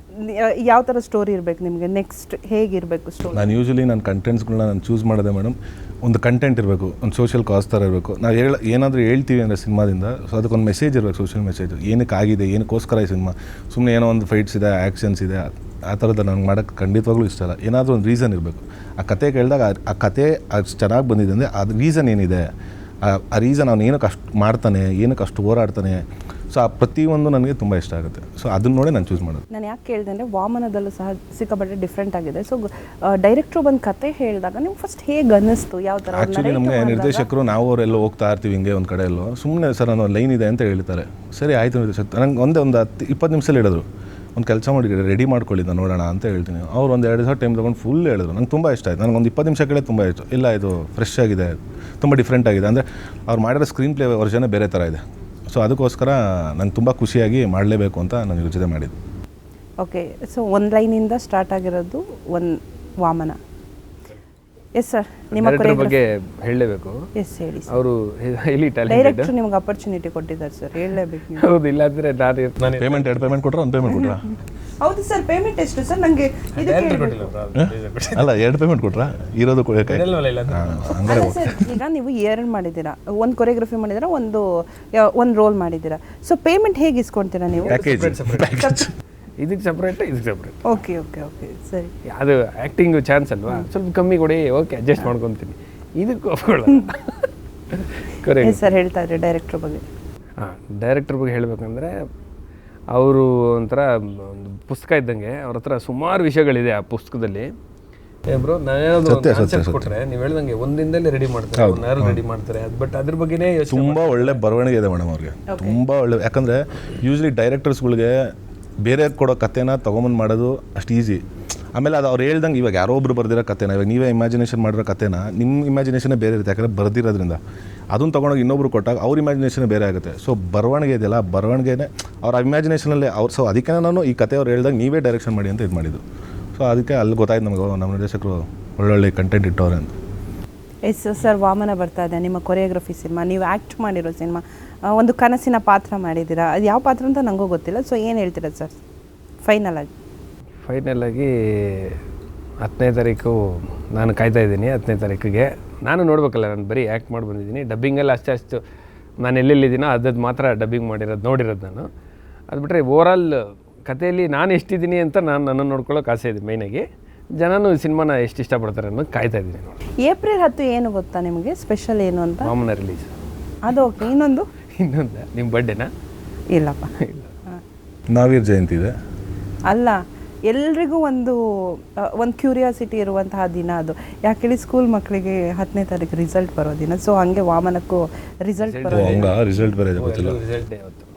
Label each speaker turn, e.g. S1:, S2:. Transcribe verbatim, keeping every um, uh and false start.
S1: ಯಾವ ಥರ ಸ್ಟೋರಿ ಇರಬೇಕು ನಿಮಗೆ, ನೆಕ್ಸ್ಟ್ ಹೇಗಿರಬೇಕು ಸ್ಟೋರಿ?
S2: ನಾನು ಯೂಶ್ವಲಿ ನನ್ನ ಕಂಟೆಂಟ್ಸ್ಗಳನ್ನ ನಾನು ಚೂಸ್ ಮಾಡೋದೆ ಮೇಡಮ್, ಒಂದು ಕಂಟೆಂಟ್ ಇರಬೇಕು, ಒಂದು ಸೋಷಿಯಲ್ ಕಾಸ್ ಥರ ಇರಬೇಕು. ನಾವು ಹೇಳ ಏನಾದರೂ ಹೇಳ್ತೀವಿ ಅಂದರೆ ಸಿನಿಮಾದಿಂದ, ಸೊ ಅದಕ್ಕೊಂದು ಮೆಸೇಜ್ ಇರಬೇಕು, ಸೋಷಿಯಲ್ ಮೆಸೇಜ್. ಏನಕ್ಕೆ ಆಗಿದೆ, ಏನಕ್ಕೋಸ್ಕರ ಈ ಸಿನಿಮಾ, ಸುಮ್ಮನೆ ಏನೋ ಒಂದು ಫೈಟ್ಸ್ ಇದೆ, ಆ್ಯಕ್ಷನ್ಸ್ ಇದೆ, ಆ ಥರದ್ದು ನನಗೆ ಮಾಡೋಕ್ಕೆ ಖಂಡಿತವಾಗ್ಲೂ ಇಷ್ಟ ಇಲ್ಲ. ಏನಾದರೂ ಒಂದು ರೀಸನ್ ಇರಬೇಕು. ಆ ಕತೆ ಕೇಳಿದಾಗ ಆ ಕತೆ ಅಷ್ಟು ಚೆನ್ನಾಗಿ ಬಂದಿದೆ ಅಂದರೆ ಅದು ರೀಸನ್ ಏನಿದೆ, ಆ ರೀಸನ್ ಅವ್ನು ಏನಕ್ಕೆ ಅಷ್ಟು ಮಾಡ್ತಾನೆ, ಏನಕ್ಕೆ ಅಷ್ಟು ಹೋರಾಡ್ತಾನೆ, ಸೊ ಆ ಪ್ರತಿಯೊಂದು ನನಗೆ ತುಂಬ ಇಷ್ಟ ಆಗುತ್ತೆ. ಸೊ ಅದನ್ನ ನೋಡಿ ನಾನು ಚೂಸ್ ಮಾಡೋದು.
S1: ನಾನು ಯಾಕೆ ಕೇಳಿದೆ ಅಂದರೆ ವಾಮನದಲ್ಲೂ ಸಹ ಸಿಕ್ಕಾಪಟ್ಟೆ ಡಿಫ್ರೆಂಟ್ ಆಗಿದೆ. ಸೊ ಡೈರೆಕ್ಟ್ರು ಬಂದು ಕತೆ ಹೇಳಿದಾಗ ನಿಮ್ಗೆ ಫಸ್ಟ್ ಹೇಗೆ ಅನ್ನಿಸ್ತು, ಯಾವ ಥರ?
S2: ಆ್ಯಕ್ಚುಲಿ ನಮಗೆ ನಿರ್ದೇಶಕರು ನಾವು ಅವರೆಲ್ಲ ಹೋಗ್ತಾ ಇರ್ತೀವಿ ಹಿಂಗೆ ಒಂದು ಕಡೆ ಎಲ್ಲೋ, ಸುಮ್ಮನೆ ಸರ್ ಅನ್ನೋ ಲೈನ್ ಇದೆ ಅಂತ ಹೇಳ್ತಾರೆ. ಸರಿ ಆಯಿತು ನಿರ್ದೇಶಕ, ನಂಗೆ ಒಂದೇ ಒಂದು ಹತ್ತು ಇಪ್ಪತ್ತು ನಿಮಿಷದಲ್ಲಿ ಹೇಳಿದ್ರು, ಒಂದು ಕೆಲಸ ಮಾಡಿ ರೆಡಿ ಮಾಡ್ಕೊಳ್ಳಿದ್ದ ನೋಡೋಣ ಅಂತ ಹೇಳ್ತೀನಿ. ಅವ್ರು ಒಂದು ಎರಡು ದಿವಸ ಟೈಮ್ ತೊಗೊಂಡು ಫುಲ್ ಹೇಳಿದ್ರು. ನಂಗೆ ತುಂಬ ಇಷ್ಟ ಆಯಿತು. ನನಗೆ ಒಂದು ಇಪ್ಪತ್ತು ನಿಮಿಷ ಕೇಳಿ ತುಂಬ ಇಷ್ಟ. ಇಲ್ಲ ಇದು ಫ್ರೆಶ್ ಆಗಿದೆ, ತುಂಬ ಡಿಫ್ರೆಂಟ್ ಆಗಿದೆ, ಅಂದರೆ ಅವ್ರು ಮಾಡಿರೋ ಸ್ಕ್ರೀನ್ ಪ್ಲೇ ವರ್ಷನೇ ಬೇರೆ ಥರ ಇದೆ. ಸೊ ಅದಕ್ಕೋಸ್ಕರ ನಂಗೆ ತುಂಬ ಖುಷಿಯಾಗಿ ಮಾಡಲೇಬೇಕು ಅಂತ ನಾನು ಯೋಚನೆ ಮಾಡಿದ್ದು.
S1: ಓಕೆ, ಸೊ ಒಂದು ಲೈನಿಂದ ಸ್ಟಾರ್ಟ್ ಆಗಿರೋದು ಒಂದು ವಾಮನ. ಎಸ್ ಸರ್, ನಿಮ್ಮ
S3: ಬಗ್ಗೆ ಹೇಳಲೇಬೇಕು.
S1: ಎಸ್ ಹೇಳಿ.
S3: ಅವರು ಇಲ್ಲಿ
S1: ಡೈರೆಕ್ಟರ್ ನಿಮ್ಗೆ ಅಪರ್ಚುನಿಟಿ ಕೊಟ್ಟಿದ್ದಾರೆ ಸರ್, ಹೇಳಲೇಬೇಕು.
S3: ಹೌದು, ಇಲ್ಲಾಂದರೆ ನಾನು
S2: ಪೇಮೆಂಟ್ ಎರಡು ಪೇಮೆಂಟ್ ಕೊಟ್ಟರೆ ಒಂದು ಪೇಮೆಂಟ್ ಕೊಟ್ರಾ?
S1: ಹೌದು ಸರ್, ಪೇಮೆಂಟ್ ಎಷ್ಟು ಸರ್? ನನಗೆ
S2: ಅಲ್ಲ, ಎರಡು ಪೇಮೆಂಟ್ ಕೊಟ್ರಾ? ಇರೋದು
S1: ಹಂಗಾರೆ ಈಗ ನೀವು ಎರಡು ಮಾಡಿದ್ದೀರಾ, ಒಂದು ಕೊರಿಯೋಗ್ರಫಿ ಮಾಡಿದ್ದೀರಾ, ಒಂದು ಒಂದು ರೋಲ್ ಮಾಡಿದ್ದೀರಾ. ಸೊ ಪೇಮೆಂಟ್ ಹೇಗೆ ಇಸ್ಕೊಳ್ತೀರಾ ನೀವು?
S3: ಇದಕ್ಕೆ ಸಪ್ರೇಟ್, ಇದಕ್ಕೆ ಸಪ್ರೇಟ್.
S1: ಓಕೆ ಓಕೆ ಓಕೆ ಸರಿ.
S3: ಅದು ಆ್ಯಕ್ಟಿಂಗು ಚಾನ್ಸ್ ಅಲ್ವಾ, ಸ್ವಲ್ಪ ಕಮ್ಮಿ ಕೊಡಿ, ಓಕೆ ಅಡ್ಜಸ್ಟ್ ಮಾಡ್ಕೊತೀನಿ. ಇದಕ್ಕೆ ಒಪ್ಕೊಳ್ಳ.
S1: Correct sir. ಹೇಳ್ತಾ ಇದ್ರಿ ಡೈರೆಕ್ಟ್ರ್ ಬಗ್ಗೆ.
S3: ಹಾಂ, ಡೈರೆಕ್ಟ್ರ್ ಬಗ್ಗೆ ಹೇಳಬೇಕಂದ್ರೆ ಅವರು ಒಂಥರ ಒಂದು ಪುಸ್ತಕ ಇದ್ದಂಗೆ. ಅವ್ರ ಹತ್ರ ಸುಮಾರು ವಿಷಯಗಳಿದೆ ಆ ಪುಸ್ತಕದಲ್ಲಿ. ಬ್ರೋ, ನಾನೇನಾದ್ರು ಕಾನ್ಸೆಪ್ಟ್ ಕೊಟ್ಟರೆ ನೀವು ಹೇಳ್ದಂಗೆ ಒಂದಿನದಲ್ಲಿ ರೆಡಿ ಮಾಡ್ತಾರೆ, ಒಂದು ಯಾರು ರೆಡಿ ಮಾಡ್ತಾರೆ. ಅದು ಬಟ್ ಅದ್ರ ಬಗ್ಗೆನೇ
S2: ತುಂಬ ಒಳ್ಳೆ ಬರವಣಿಗೆ ಇದೆ ಮೇಡಮ್ ಅವ್ರಿಗೆ, ತುಂಬ ಒಳ್ಳೆ. ಯಾಕಂದರೆ ಯೂಶ್ವಲಿ ಡೈರೆಕ್ಟರ್ಸ್ಗಳಿಗೆ ಬೇರೆ ಕೊಡೋ ಕಥೆನ ತೊಗೊಂಬಂದು ಮಾಡೋದು ಅಷ್ಟು ಈಸಿ. ಆಮೇಲೆ ಅದು ಅವ್ರು ಹೇಳ್ದಂಗೆ ಇವಾಗ ಯಾರೋ ಒಬ್ರು ಬರ್ದಿರೋ ಕಥೆನ ಇವಾಗ ನೀವೇ ಇಮ್ಯಾಜಿನೇಷನ್ ಮಾಡಿರೋ ಕಥೆನ ನಿಮ್ಮ ಇಮ್ಯಾಜಿನೇಷನೇ ಬೇರೆ ಇರುತ್ತೆ, ಯಾಕಂದರೆ ಬರ್ದಿರೋದ್ರಿಂದ. ಅದನ್ನು ತೊಗೊಂಡೋಗಿ ಇನ್ನೊಬ್ರು ಕೊಟ್ಟಾಗ ಅವ್ರ ಇಮ್ಯಾಜಿನೇಷನ್ ಬೇರೆ ಆಗುತ್ತೆ. ಸೊ ಬರವಣಿಗೆ ಇದೆಯಲ್ಲ, ಬರವಣಿಗೆನೇ ಅವ್ರ ಇಮ್ಯಾಜಿನೇಷನಲ್ಲೇ ಅವ್ರು. ಸೊ ಅದಕ್ಕೆ ನಾನು ಈ ಕತೆ ಅವ್ರು ಹೇಳ್ದಾಗ ನೀವೇ ಡೈರೆಕ್ಷನ್ ಮಾಡಿ ಅಂತ ಇದು ಮಾಡಿದ್ದು. ಸೊ ಅದಕ್ಕೆ ಅಲ್ಲಿ ಗೊತ್ತಾಯ್ತು ನಮಗೆ, ನಮ್ಮ ನಿರ್ದೇಶಕರು ಒಳ್ಳೊಳ್ಳೆ ಕಂಟೆಂಟ್ ಇಟ್ಟವ್ರೆ ಅಂತ.
S1: ಎಸ್ ಸರ್, ವಾಮನ ಬರ್ತಾ ಇದೆ, ನಿಮ್ಮ ಕೊರಿಯೋಗ್ರಫಿ ಸಿನಿಮಾ, ನೀವು ಆ್ಯಕ್ಟ್ ಮಾಡಿರೋ ಸಿನಿಮಾ, ಒಂದು ಕನಸಿನ ಪಾತ್ರ ಮಾಡಿದ್ದೀರಾ. ಅದು ಯಾವ ಪಾತ್ರ ಅಂತ ನನಗೂ ಗೊತ್ತಿಲ್ಲ. ಸೊ ಏನು ಹೇಳ್ತೀರಾ ಸರ್ ಫೈನಲ್ ಆಗಿ?
S3: ಫೈನಲ್ ಆಗಿ ಹತ್ತನೇ ತಾರೀಕು ನಾನು ಕಾಯ್ತಾ ಇದ್ದೀನಿ. ಹತ್ತನೇ ತಾರೀಕಿಗೆ ನಾನು ನೋಡ್ಬೇಕಲ್ಲ, ನಾನು ಬರೀ ಆ್ಯಕ್ಟ್ ಮಾಡಿ ಬಂದಿದ್ದೀನಿ. ಡಬ್ಬಿಂಗಲ್ಲಿ ಅಷ್ಟೇ ಅಷ್ಟು ನಾನು ಎಲ್ಲೆಲ್ಲಿದ್ದೀನೋ ಅದದ್ದು ಮಾತ್ರ ಡಬ್ಬಿಂಗ್ ಮಾಡಿರೋದು ನೋಡಿರೋದು ನಾನು. ಅದು ಬಿಟ್ಟರೆ ಓವರಾಲ್ ಕಥೆಯಲ್ಲಿ ನಾನು ಎಷ್ಟಿದ್ದೀನಿ ಅಂತ ನಾನು ನನ್ನನ್ನು ನೋಡ್ಕೊಳ್ಳೋಕೆ ಆಸೆ ಇದೆ. ಮೈನಾಗಿ ಜನನು ಸಿನಿಮಾನ ಎಷ್ಟು ಇಷ್ಟಪಡ್ತಾರೆ ಅನ್ನೋದು ಕಾಯ್ತಾ ಇದ್ದೀನಿ ನೋಡಿ.
S1: ಏಪ್ರಿಲ್ ಹತ್ತು ಏನು ಗೊತ್ತಾ ನಿಮಗೆ ಸ್ಪೆಷಲ್ ಏನು ಅಂತ?
S3: ವಾಮನ ರಿಲೀಸ್.
S1: ಅದು ಓಕೆ. ಇನ್ನೊಂದು
S3: ಇನ್ನೊಂದು ನಿಮ್ಮ ಬರ್ಡೇನಾ?
S1: ಇಲ್ಲಪ್ಪ,
S3: ಇಲ್ಲ,
S2: ನಾವೀರ್ ಜಯಂತಿ ಇದೆ.
S1: ಅಲ್ಲ, ಎಲ್ರಿಗೂ ಒಂದು ಒಂದು ಕ್ಯೂರಿಯಾಸಿಟಿ ಇರುವಂತಹ ದಿನ ಅದು. ಯಾಕೇಳಿ ಸ್ಕೂಲ್ ಮಕ್ಕಳಿಗೆ ಹತ್ತನೇ ತಾರೀಕು ರಿಸಲ್ಟ್ ಬರೋ ದಿನ. ಸೊ ಹಂಗೆ ವಾಮನಕ್ಕೂ ರಿಸಲ್ಟ್ ಬರೋ
S2: ರಿಸಲ್ಟ್ ಬರೋದು ಗೊತ್ತಿಲ್ಲ.
S3: ರಿಸಲ್ಟ್ ಡೇ ಅವತ್ತು.